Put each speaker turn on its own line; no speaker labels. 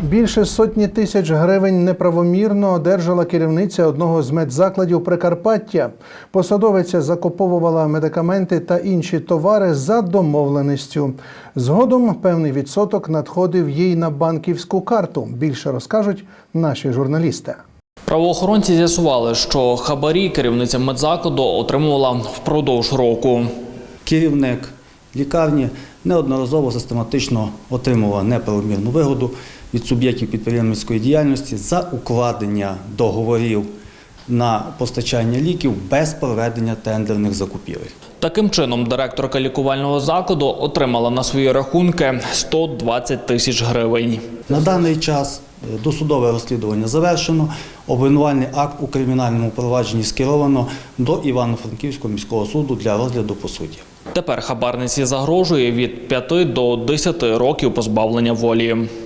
Більше сотні тисяч гривень неправомірно одержала керівниця одного з медзакладів Прикарпаття. Посадовиця закуповувала медикаменти та інші товари за домовленістю. Згодом певний відсоток надходив їй на банківську карту. Більше розкажуть наші журналісти.
Правоохоронці з'ясували, що хабарі керівниця медзакладу отримувала впродовж року.
Керівник лікарні неодноразово систематично отримував неправомірну вигоду від суб'єктів підприємницької діяльності за укладення договорів на постачання ліків без проведення тендерних закупівель.
Таким чином, директорка лікувального закладу отримала на свої рахунки 120 тисяч гривень.
На даний час досудове розслідування завершено, обвинувальний акт у кримінальному провадженні скеровано до Івано-Франківського міського суду для розгляду по суді.
Тепер хабарниці загрожує від 5 до 10 років позбавлення волі.